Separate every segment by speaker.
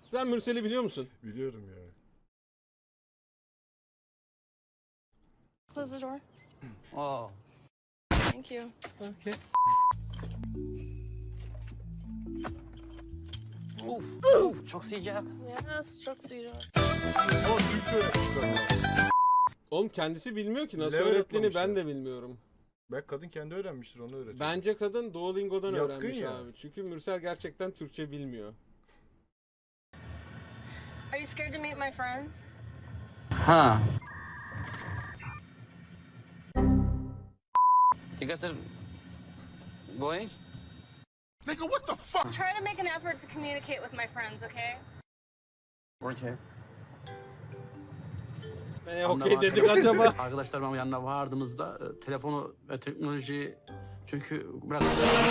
Speaker 1: Sen Mürsel'i biliyor musun?
Speaker 2: Biliyorum ya.
Speaker 3: Close the door.
Speaker 4: Oh.
Speaker 3: Thank you.
Speaker 1: Okay.
Speaker 4: Uf, çok sıcak.
Speaker 3: Yes, çok sıcak.
Speaker 2: O Türkçe öğretmişler.
Speaker 1: Oğlum kendisi bilmiyor ki nasıl
Speaker 2: Ne
Speaker 1: öğrettiğini ben
Speaker 2: öğretmemişler?
Speaker 1: de bilmiyorum.
Speaker 2: Belki kadın kendi öğrenmiştir, onu öğretiyor.
Speaker 1: Bence kadın Duolingo'dan
Speaker 2: Yatkın
Speaker 1: öğrenmiş
Speaker 2: ya.
Speaker 1: abi. Çünkü Mürsel gerçekten Türkçe bilmiyor.
Speaker 3: Are you scared to meet my friends?
Speaker 4: Ha. You got the going?
Speaker 3: Try to make an effort to communicate with my friends, okay?
Speaker 4: Okay.
Speaker 1: Okey dedik acaba.
Speaker 4: Arkadaşlar benim yanına vardığımızda telefonu ve teknolojiyi çünkü biraz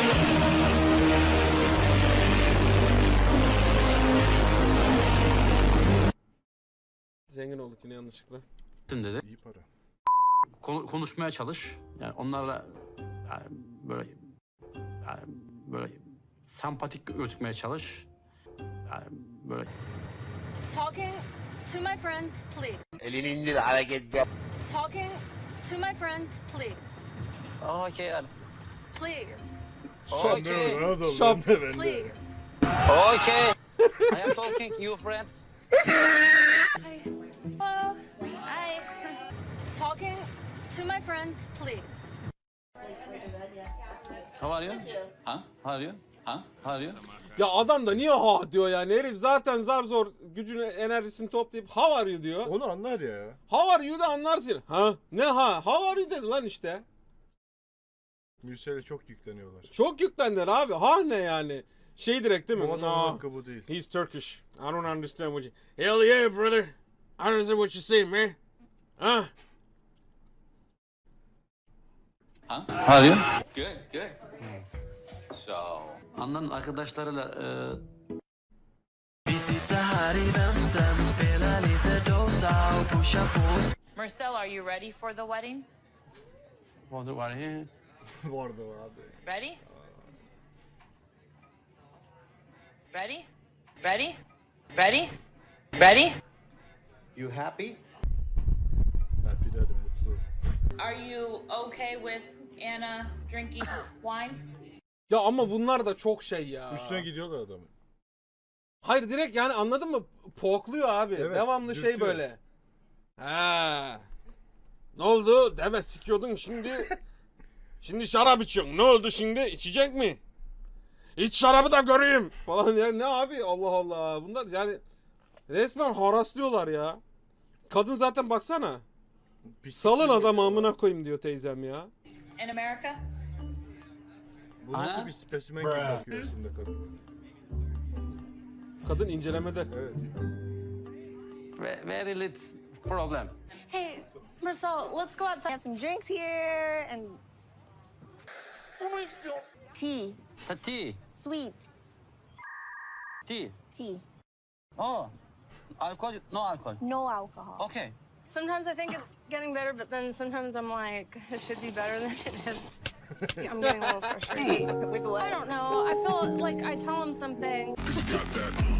Speaker 1: Zengin olduk yine yanlışlıkla.
Speaker 4: dedi.
Speaker 2: İyi para.
Speaker 4: Konuşmaya çalış. Yani onlarla yani böyle sempatik gözükmeye çalış. Yani böyle
Speaker 3: Talking to my friends, please.
Speaker 5: Elini indir, hareket yap.
Speaker 3: Talking to my friends, please.
Speaker 4: okay yani.
Speaker 3: Please.
Speaker 4: Okay.
Speaker 1: Şap.
Speaker 3: Please.
Speaker 4: Okay. I am talking you friends.
Speaker 3: Hi. Hello. Hi. Talking to my friends, please.
Speaker 4: How are you? Ha? How are you? Ha? How are you?
Speaker 1: Ya adam da niye ha diyor yani, herif zaten zar zor gücünü enerjisini toplayıp how are you diyor.
Speaker 2: Onu anlar ya.
Speaker 1: How are you da anlarsın. Ha? Ne ha? How are you dedi lan işte.
Speaker 2: Mürsel'e çok yükleniyorlar.
Speaker 1: Çok yüklendiler abi. Ha ne yani? Şey direkt değil mi?
Speaker 2: Bu adamın
Speaker 1: Ah,
Speaker 2: hakkı bu değil.
Speaker 1: he's Turkish. I don't understand what you... Hell yeah brother. I understand what you say man. Ha?
Speaker 4: Ha? How are you? Good, good. So. Andan arkadaşlarıyla
Speaker 6: Marcel, are you ready for the wedding?
Speaker 4: var ya.
Speaker 2: Vardı abi.
Speaker 6: Ready? Ready? Ready? Ready? Ready?
Speaker 5: You happy?
Speaker 2: Happy dedim, mutlu.
Speaker 6: Are you okay with Anna drinking wine?
Speaker 1: Ya ama bunlar da çok şey ya.
Speaker 2: Üstüne gidiyorlar adamın.
Speaker 1: Hayır direkt yani, anladın mı? Pokluyor abi.
Speaker 2: Evet,
Speaker 1: Devamlı şey
Speaker 2: dürtüyor.
Speaker 1: böyle. Ha. Ne oldu? Deve sikiyordun şimdi. Şimdi şarap içiyorsun. Ne oldu şimdi? İçecek mi? İç şarabı da göreyim falan ya. Ne abi? Allah Allah. Bunlar yani resmen haraslıyorlar ya. Kadın zaten baksana. Salın adamı amına koyayım diyor teyzem ya.
Speaker 6: In America?
Speaker 2: Bu nasıl
Speaker 4: Ana?
Speaker 2: bir spesimen gibi bakıyor aslında kadın.
Speaker 1: Kadın incelemede.
Speaker 2: Evet.
Speaker 4: Very little problem.
Speaker 3: Hey, Marcel, let's go outside.
Speaker 7: Have some drinks here and tea,
Speaker 4: Tea.
Speaker 7: sweet
Speaker 4: Tea.
Speaker 7: tea,
Speaker 4: Oh. Alkol, no alcohol.
Speaker 7: no alcohol.
Speaker 4: Okay.
Speaker 3: Sometimes I think it's getting better, but then sometimes I'm like, it should be better than it is. I'm getting a little frustrated.
Speaker 7: With what?
Speaker 3: I don't know. I feel like I tell him something.